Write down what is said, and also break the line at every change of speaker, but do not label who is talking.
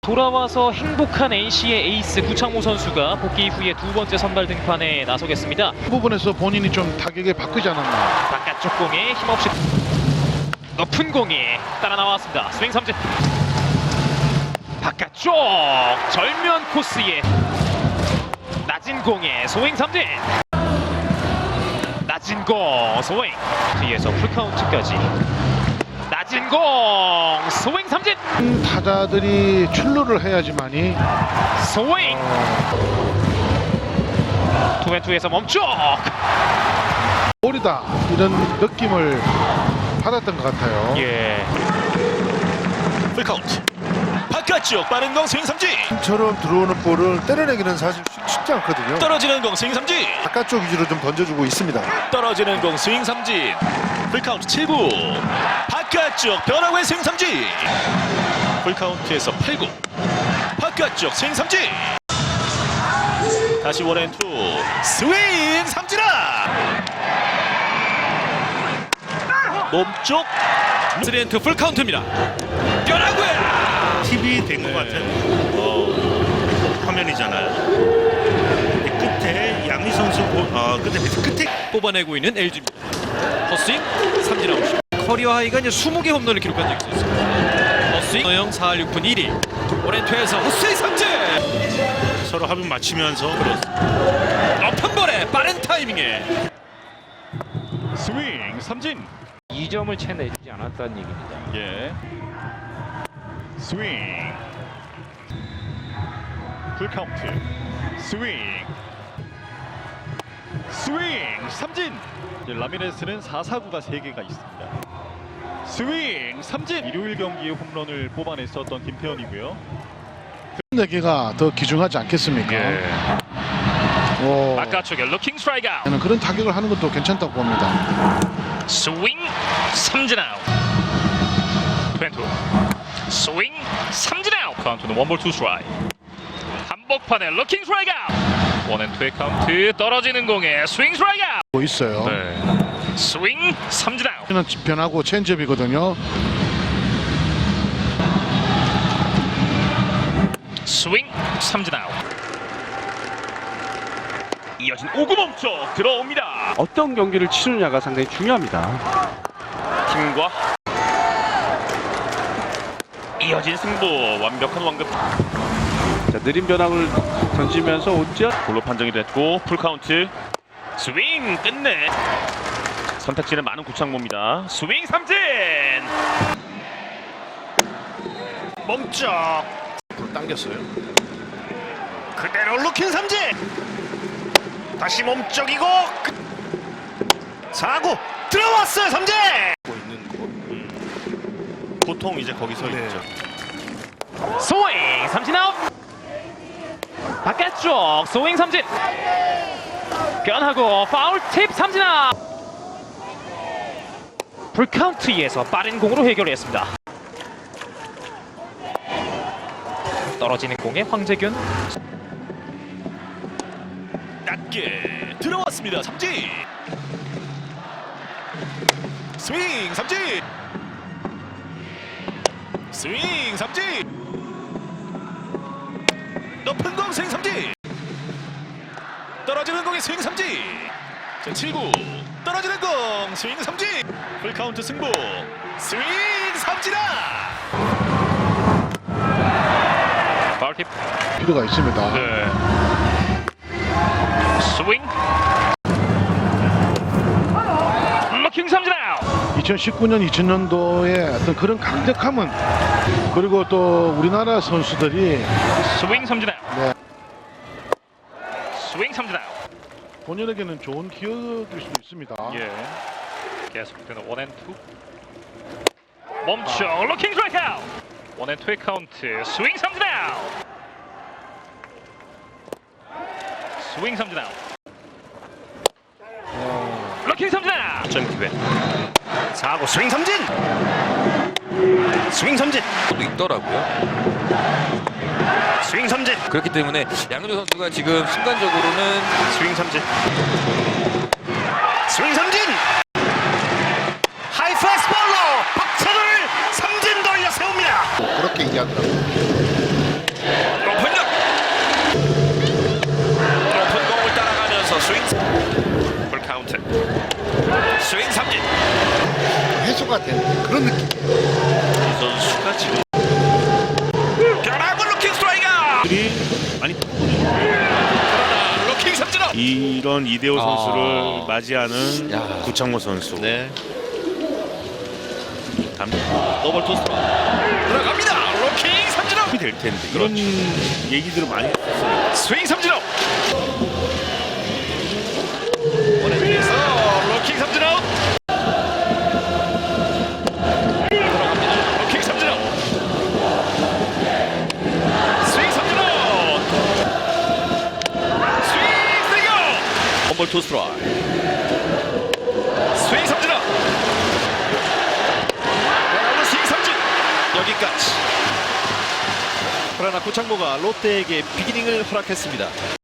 돌아와서 행복한 NC의 에이스 구창모 선수가 복귀 후에 두 번째 선발 등판에 나서겠습니다.
그 부분에서 본인이 좀 타격에 바꾸지 않았나.
바깥쪽 공에 힘없이 높은 공이 따라 나왔습니다. 스윙 삼진. 바깥쪽 절면 코스에 낮은 공에 스윙 삼진. 낮은 공 스윙. 뒤에서 풀카운트까지. 낮은 공 스윙 삼진.
타자들이 출루를 해야지만이
스윙. 투앤투에서 멈춰.
볼이다 이런 느낌을 받았던 것 같아요.
예.
풀카운트 바깥쪽 빠른 공 스윙 삼진.
처럼 들어오는 볼을 때려내기는 사실 쉽지 않거든요.
떨어지는 공 스윙 삼진.
바깥쪽 위주로 좀 던져주고 있습니다.
떨어지는 공 스윙 삼진. 풀카운트 7구 바깥쪽 변화구의 스윙 삼진. 풀카운트에서 8구 바깥쪽 스윙 삼진. 다시 원앤투 스윙 삼진아. 몸쪽 3&2 풀카운트입니다. 변화구야.
TV 된 것 같은 화면이잖아요. 근데 끝에 양희 선수 끝에
뽑아내고 있는 LG입니다. 헛스윙 삼진 아웃. 커리어 하이가 이제 20개 홈런을 기록한 적이 있었습니다. 헛스윙 허영 4할 6푼 1위 오렌트에서 헛스윙 삼진.
서로 합을 맞추면서
높은 볼에 빠른 타이밍에
스윙 삼진.
2점을 채 내주지 않았다는 얘기입니다.
예. 스윙. 풀카운트. 스윙. 스윙 삼진. 이제 라미레스는 4사구가 3개가 있습니다. 스윙 삼진. 일요일 경기에 홈런을 뽑아냈었던 김태현이고요.
내기가 더 귀중하지 않겠습니까?
바깥쪽에 루킹 스트라이크 아웃.
저는 그런 타격을 하는 것도 괜찮다고 봅니다.
스윙 삼진 아웃. 투앤투 스윙 삼진 아웃. 카운트는 원볼 투 스트라이크. 한복판에 루킹 스트라이크 아웃. 원앤투의 카운트. 떨어지는 공에 스윙 스트라이크 아웃.
뭐 있어요.
스윙 삼진 아웃.
저는 변하고 체인지업이거든요.
스윙 삼진 아웃. 이어진 5구 멈춰 들어옵니다.
어떤 경기를 치느냐가 상당히 중요합니다.
팀과 이어진 승부. 완벽한 완급.
자, 느린 변화를 던지면서 오지아
볼로 판정이 됐고 풀카운트. 스윙 끝내. 선택지는 많은 구창모입니다. 스윙 삼진.
멈쩍 당겼어요. 그대로 루킹 삼진. 다시 몸쪽이고 4구 들어왔어요. 삼진. 보통 이제 거기 서 있죠.
스윙 삼진 아웃. 바깥쪽 스윙 삼진. 변하고 파울 팁 삼진 아웃. 풀카운트에서 빠른 공으로 해결했습니다. 떨어지는 공에 황재균.
낮게 들어왔습니다. 삼진. 스윙 삼진. 스윙 삼진. 높은 공 스윙 삼진. 떨어지는 공에 스윙 삼진. 자 7구 떨어지는 공 스윙 삼진. 풀카운트 승부. 스윙 삼진아.
파울 팁.
필요가 있습니다.
스윙. 루킹 삼진 아웃.
2019년, 2000년도에 어떤 그런 강력함은 그리고 또 우리나라 선수들이
스윙 삼진 아웃.
네.
스윙 삼진 아웃.
본인에게는 좋은 기억일 수도 있습니다.
예. 계속되는 원앤투. 멈춰 루킹 스트라이크 아웃. 원앤투의 카운트. 스윙 삼진 아웃. 스윙 삼진 아웃. 루킹 삼진 아웃. 점 기회.
4구 스윙 삼진. 스윙 삼진.
도 있더라고요.
스윙 삼진.
그렇기 때문에 양현종 선수가 지금 순간적으로는
스윙 삼진. 스윙 삼진. 하이 패스볼로 박찬호를 삼진 돌려 세웁니다.
그렇게 이야기하더라고요. 되는 그런 느낌.
이 선수가 지금
변화구 루킹 스트라이크.
많이
그러나 루킹 삼진 아웃.
이런 이대호
아.
선수를 맞이하는
야.
구창모 선수.
네.
담-
더블 토스
들어갑니다. 루킹 삼진 아웃.
될 텐데 이런 얘기들을 많이 했었어요.
스윙 삼진 아웃. 원앤에서 루킹 삼진 아웃. 들어갑니다. 루킹 삼진 아웃. 스윙 삼진 아웃. 스윙 스트라이크 아웃.
원볼 투 스트라이크.
스윙 삼진 아웃. 변화구 스윙 삼진.
여기까지. 그러나 구창모가 롯데에게 비기닝을 허락했습니다.